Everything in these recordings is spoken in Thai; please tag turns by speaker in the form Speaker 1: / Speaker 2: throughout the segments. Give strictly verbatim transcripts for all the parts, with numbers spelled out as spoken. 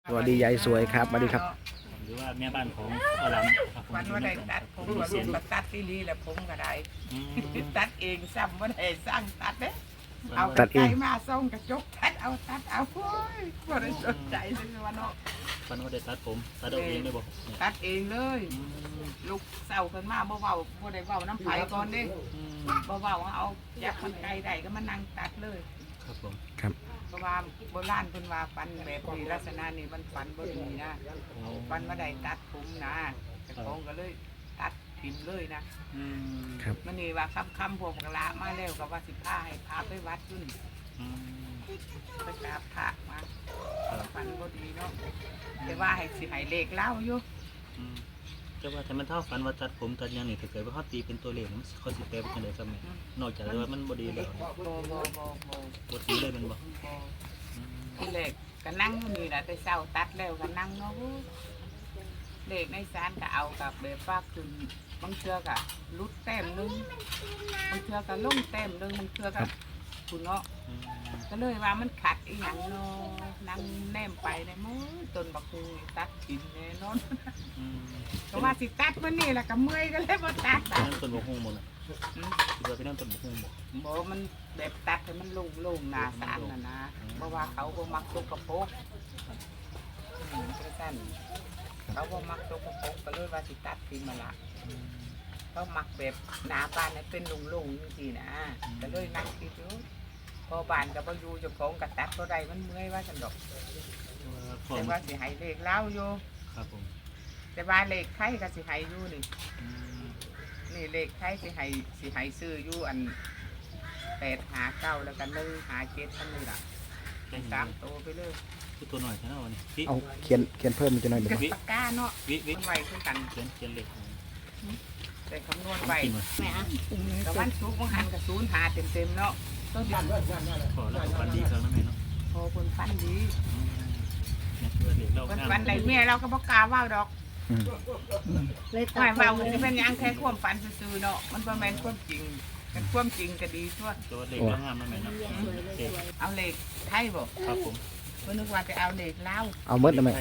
Speaker 1: สวัสดียายสวยครับสวัสดีครับ
Speaker 2: หรือว่าแม่บ้านของพ่อหลำครับผม
Speaker 3: วันว่าได้ตัดผมว่าลูกมาตัดที่ลีแล้วผมก็ได้ตัดเองซ้ำว่าได้สร้างตัดเด้เอาตัดเองมาส่งกระจกตัดเอาตัดเอาโอ้ยบ่ได้สนใจเลยว่าเนาะ
Speaker 2: ฟันว่าได้ตัดผมตัดเอาเองได้บ่
Speaker 3: ตัดเองเลยลูกเศร้าขึ้นมาบ่เว้าบ่ได้เว้าน้ำไผก่อนเด้บ่เว้าเอาอยากมันไกลได้ก็มานั่งตัดเลย
Speaker 2: ครับผม
Speaker 1: ครับ
Speaker 3: เพราะว่าโบราณเพิ่นว่าฟันแบบนี้ลักษณะนี้มันฟันบ่ดีนะฟันบ่ได้ตัดผมนะเจ้าของก็เลยตัดทิ่มเลยนะครับ มันนี่ว่าค่ำๆพวกกะละมาแล้วก็ว่าสิพาให้พาไปวัดจุนไปกราบพระมาฟันบ่ดีเนาะแต่ว่าให้สิให้เลขเล่าอยู่
Speaker 2: แต่ว่าถ้ามันเท่าฝันว่าตัดผมตัดยังนี่ถ้าเกิดว่าเขาตีเป็นตัวเลขมันเขาสิแปลเป็นจังได๋ครับแม่นอกจากว่ามันบ่ดีแล้ว
Speaker 3: บ่บ่บ่บ่บ่
Speaker 2: บ่ตีเลยมันบ่
Speaker 3: ที่เลขก็นั่งอยู่นี่แหละแต่เช้าตัดแล้วก็นั่งเนาะเลขในศาลก็เอากับแบบว่าขึ้นบางเทื่อก็ลุดแต้มนึงบางเทื่อก็ลงแต้มนึงบางเทื่อก็คุณเนาะก็เลยว่ามันขัดอีหยังเนาะนั่งแนมไปในมือต้นบักฮูตัดกินแน่นอนเพราะว่าสิตัดมื้อนี้แหละก็เมื่อยก็เลยบ่ตัด
Speaker 2: นั่นต้นบกฮุ่งบ่น่ะคิดว่าเป็นนั่นต้นบกฮุ่งบ่
Speaker 3: บ่มันแบบตัดให้มันโล่งๆหน้าศาลน่ะนะเพราะว่าเขาบ่มักสกปรกอืมจังซั่นเขาบ่มักสกปรกก็เลยว่าสิตัดทิ้งมาละเขามักแบบหน้าบ้านให้เป็นโล่งๆจังซี่นะก็เลยนั่งคิดอยู่พอบ้านก็บ่อยู่เจ้าของก็ตัดบ่ได้มันเมื่อยว่าซั่นดอกแต่ว่าสิให้เลขเล่าอยู่
Speaker 2: ครับผม
Speaker 3: แต่ว่าเลขไทยก็สิให้อยู่นี่นี่เลขไทยสิให้สิให้ซื้ออยู่อันแปดหาเก้าแล้วก็หนึ่งหาเจ็ดท่านนี่ล่ะเป็นสามตัวไปเลย
Speaker 2: คือตัวหน่อยแค่นั้นวันนี้
Speaker 1: เอาเขียนเขียนเพิ่มมันจะหน่อยเดี๋ยว
Speaker 3: กับปากกาเนาะ
Speaker 2: วิวิ
Speaker 3: มันไวขึ้นกัน
Speaker 2: เขียนเขียนเลข
Speaker 3: แต่คำนวณไว
Speaker 2: กินมา
Speaker 3: แม่อะกับวันซุกมันหันกับศูนย์หาเต็มเต็มๆเนาะต้นเดือน
Speaker 2: ขอแล้วฟันดีครั้งนั้นแม่เนาะ
Speaker 3: พอคนฟันดี
Speaker 2: เนี่ยตัวเลขเรา
Speaker 3: คนฟันใดเมียเราก็บอกกล้าว่าดอก
Speaker 1: อืม
Speaker 3: ไม่ว่ามันจะเป็นหยังแค่ความฝันซื่อๆเนาะมันประมาณความจริงเป็นความจริงก็ดีทั่ว
Speaker 2: ตัวเลขเรางามนะแม่เนาะเด็ก
Speaker 3: เอาเลขไทยบ่
Speaker 2: ครับผม
Speaker 3: เพิ่นนึกว่าจะเอาเลขลาว
Speaker 1: เอาเมดแล้วไหม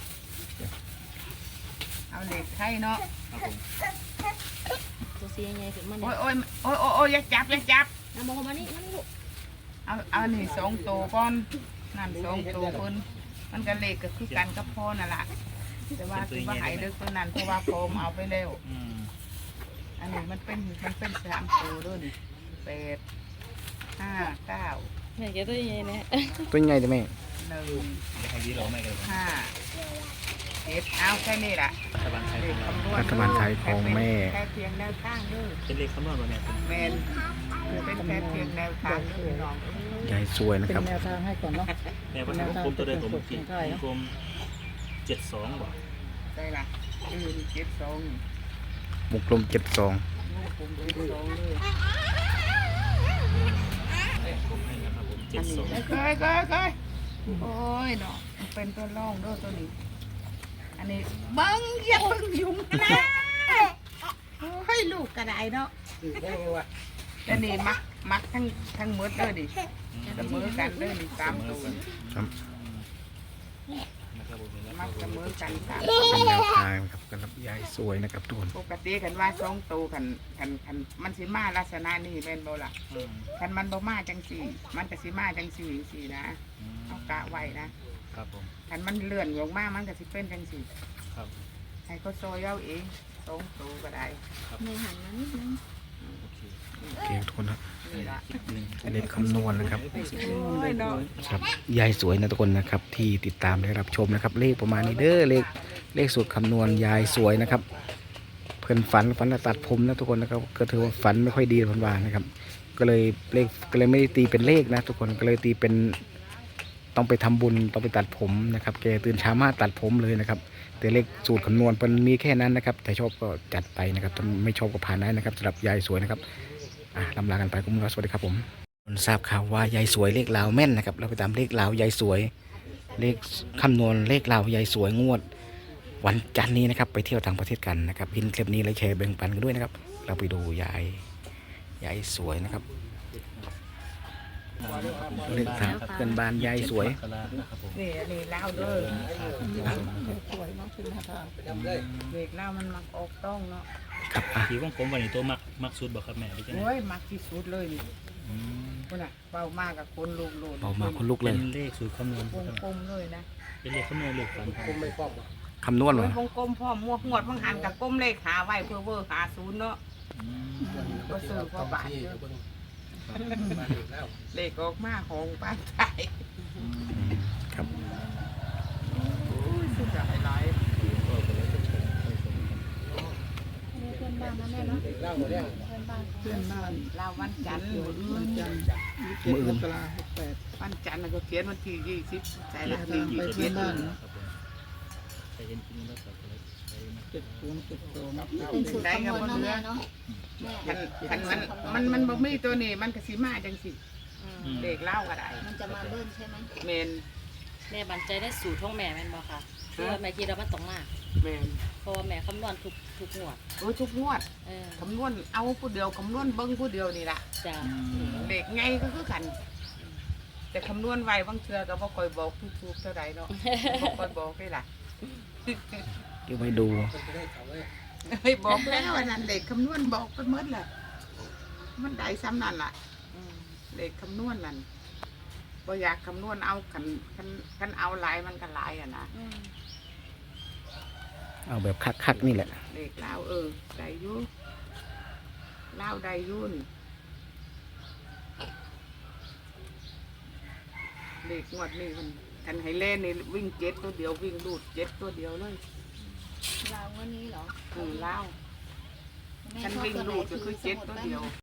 Speaker 3: เอาเลขไทยเนาะ
Speaker 2: ครับผม
Speaker 4: ตัวสีใหญ่ขึ้นมา
Speaker 3: โอ้
Speaker 4: เนี่ย
Speaker 3: ยโอ้ยโอ้ยโอ้ยโอ้ยอย่าจับอย่าจับ
Speaker 4: น้ำมองมานี่มานี่ลูก
Speaker 3: เอาเอานี่สองตัวก่อนนั่นสองตัวเพิ่นมันก็เลขก็คือกันกับพ่อนั่นล่ะแต่ว่าคือว่าใหายเลิกตัวนั้นเพราะว่าโฟมเอาไปแล้ว
Speaker 2: อืม
Speaker 3: อันนี้มันเป็นมันเป็นสามตัวด้วยนี่แปดห้าเก้า
Speaker 4: แม่แกตัวใหญ่เนี่ย
Speaker 1: ตัวใหญ่ได้ไหม
Speaker 3: หนึ่ง
Speaker 2: จะให้ดีหรอไม่กัน
Speaker 3: ห้าเจ็ดเอาแค่นี้ล่ะ
Speaker 2: รัฐบาลไทย
Speaker 3: เล
Speaker 2: ข
Speaker 3: ข
Speaker 2: องเรา
Speaker 3: คำนวณ
Speaker 1: รัฐบาลไทยของแม่
Speaker 3: แค่เพียงแนวข้างเด้อ
Speaker 2: เป็นเลขคำนวณบ่แม่เป็น
Speaker 3: แมนคือเป็นแค่เพียงแนวข้างเด้อน้อง
Speaker 1: ยายสวยนะครับ
Speaker 5: เป็นแนวทางให้ก่อนเนาะ
Speaker 2: แม่ว่าทางกลมตัวใดตัวเมื่อกี้กลมเจ็ดสองบ่
Speaker 3: ได้ล่ะคือเจ็ดสอง
Speaker 1: วงกลมเจ็ดสอง
Speaker 3: ลูกผมเจ็ดสองเลย
Speaker 2: กลมให้นะครับผมเจ็ดสอง
Speaker 3: เคยเคยเคยโอ้ยเนาะเป็นตัวร่องด้วยตัวนี้ อันนี้เบิ้งอย่าเบิ้งยุงนะโอ้ยลูกกระไดเนาะอันนี้มักมักทั้งทั้งมืดเลยดิเสมอกันเลยดิสามตัว
Speaker 1: ครับ
Speaker 2: นะครับผม
Speaker 3: มักเสมอกันสาม
Speaker 1: เป็นแนวทางนะครับสำหรับยายสวยนะครับทุกคน
Speaker 3: ปกติกันว่าสองตัวกันกันกันมันสิมาลักษณะนี้แม่นบ่ล่ะคันมันบ่มาจังสี่ มันก็สิมาจังสี่สี่นะเอากะไว้นะครับ
Speaker 2: ผม
Speaker 3: คันมันเลื่อนลงมามันก็สิเป็นจังสี่
Speaker 2: ครับ
Speaker 3: ให้เขาซอยเอาเองสองตัวก็ได้
Speaker 4: แม่หันมานิดนึง
Speaker 2: โอเค
Speaker 1: โอเคทุกคนนะ
Speaker 3: นี่ละ
Speaker 2: หนึ่ง
Speaker 1: อันนี้คำนวณนะครับ
Speaker 3: โอ้ยเนาะ
Speaker 1: ครับยายสวยนะทุกคนนะครับ ที่ติดตามได้รับชมนะครับ เลขประมาณนี้เด้อเลขเลขสูตรคำนวณยายสวยนะครับ เพื่อนฝันฝันว่าตัดผมนะทุกคนนะครับก็ถือว่าฝันไม่ค่อยดีพันวานะครับ ก็เลยเลขก็เลยไม่ได้ตีเป็นเลขนะ ทุกคนก็เลยตีเป็นต้องไปทำบุญต้องไปตัดผมนะครับแกตื่นเช้ามาตัดผมเลยนะครับแต่เลขสูตรคำนวณมันมีแค่นั้นนะครับแต่ชอบก็จัดไปนะครับถ้าไม่ชอบก็ผ่านได้นะครับสำหรับยายสวยนะครับอ่ะลำลากันไปคุณผู้ชมสวัสดีครับผมทราบข่าวว่ายายสวยเลขลาวแม่นนะครับเราไปตามเลขลาวยายสวยเลขคำนวณเลขลาวยายสวยงวด วันจันทร์นี้นะครับไปเที่ยวต่างประเทศกันนะครับพินคลิปนี้แล้วแชร์แบ่งปันกันด้วยนะครับเราไปดูยายยายสวยนะครับเลขสามเพื่อนบ้านยายสวย
Speaker 2: มกรานะครับผม
Speaker 3: นี่อันนี้เล่าเด้อ
Speaker 5: สวยเนาะคือหน้าทาง
Speaker 3: เด็กเล่ามันมักออกต้องเนาะ
Speaker 1: ครับอ่ะ
Speaker 2: ที่วงกลมวันนี้ตัวมักมักสุดบ่ครับแม่หรือจังได๋
Speaker 3: โอ้ยมักที่สุดเลยนี่
Speaker 2: อืม
Speaker 3: คนน่ะเป้ามากกับคนลูกโลด
Speaker 1: เบามาคนลุกเล
Speaker 2: เป็
Speaker 1: ย
Speaker 2: นเลขสูตรคำนวณ
Speaker 3: วงกลมเลยนะ
Speaker 2: เป็นเลขคำนวณเลขฝันครับ
Speaker 1: คำนวณ
Speaker 3: โอ้
Speaker 1: วะ
Speaker 3: ยวงกลมพ่อมวกงวดบางหันกับก้มเลขหาไว้เพื่อเวอร์หาศูนย์เนาะ
Speaker 2: อืม
Speaker 3: ก็ซื้อพ่อบาทเยอะเลขออกมาของบ้านไทย
Speaker 2: อืม
Speaker 1: ครับ
Speaker 3: โอ้ยสุดหลายหลาย
Speaker 2: ก็ก็เลยจะชมค่อยชมกัน
Speaker 4: เพื่อนบ้านนะแม่เนาะเพื่อนบ้าน
Speaker 5: เพื่อนบ้าน
Speaker 3: ลาววันจันทร์มื้ออื่
Speaker 5: วัน
Speaker 3: น
Speaker 5: จันทร์ยี่สิบเจ็ดมกราหกแปด
Speaker 3: วันจันทร์น่ะก็เขียนวันที่ยี่สิบใส่ละ
Speaker 5: เดินทางไปเพื่อนบ้าน
Speaker 2: ครับผมใครเห็นที่นี่แล้วก็เลยใช้นะ
Speaker 5: เจ็ดศูนย์เจ็ดสอง
Speaker 4: เป็นสูตรคำนวณเนาะแม่เนาะแม่
Speaker 3: คันคันมันมันมันบ่มีตัวนี้มันก็สิมาจังสิ
Speaker 4: อืม
Speaker 2: อืม
Speaker 3: เลขเล่าก็ได้
Speaker 4: มันจะมาเบิ้ลใช่ไหม
Speaker 3: เมน
Speaker 6: แม่บันใจได้สูตรของแม่แม่นบ่ค่ะคือว่าแม่คิดว่ามันต้องมาก
Speaker 3: เมน
Speaker 6: เพราะว่าแม่คำนวณทุกทุกงวด
Speaker 3: โอ้ยทุกงวด
Speaker 6: เออ
Speaker 3: คำนวณเอาผู้เดียวคำนวณเบิ้งผู้เดียวนี่ล่ะ
Speaker 6: จ้ะ
Speaker 2: อืม
Speaker 3: เด็กไงก็คือกัน แต่คำนวณไว้บางเทื่อก็บ่ค่อยบอกทุกๆเท่าใดเนาะบ่ค่อยบอกได้ล่ะ
Speaker 1: เดี๋ยวไปดู
Speaker 3: เฮ้ยบอกแล้วอันนั้นเด็กคำนวณบอกไปหมดแหละมันได้ซ้ำนั่นล่ะ
Speaker 6: อืม
Speaker 3: เด็กคำนวณนั่นบ่อยากคำนวณเอากันกันกันเอาหลายมันก็หลายอ่ะนะ
Speaker 6: อืม
Speaker 1: เอาแบบคักๆนี่แหละ
Speaker 3: เด็กลาวเออได้อยู่ลาวได้อยุ่นเด็กงวดนี่มันกันให้เล่นนี่วิ่งเจ็ดตัวเดียววิ่งลูดเจ็ดตัวเดียวเลย
Speaker 4: เราวันนี้เหรอ
Speaker 3: อืมลาว
Speaker 4: แม่
Speaker 3: ฉัน
Speaker 4: ชอบ
Speaker 3: วิ่ง
Speaker 4: ตัวไหน
Speaker 3: ลูดก็คือเจ็ดตัวเดียว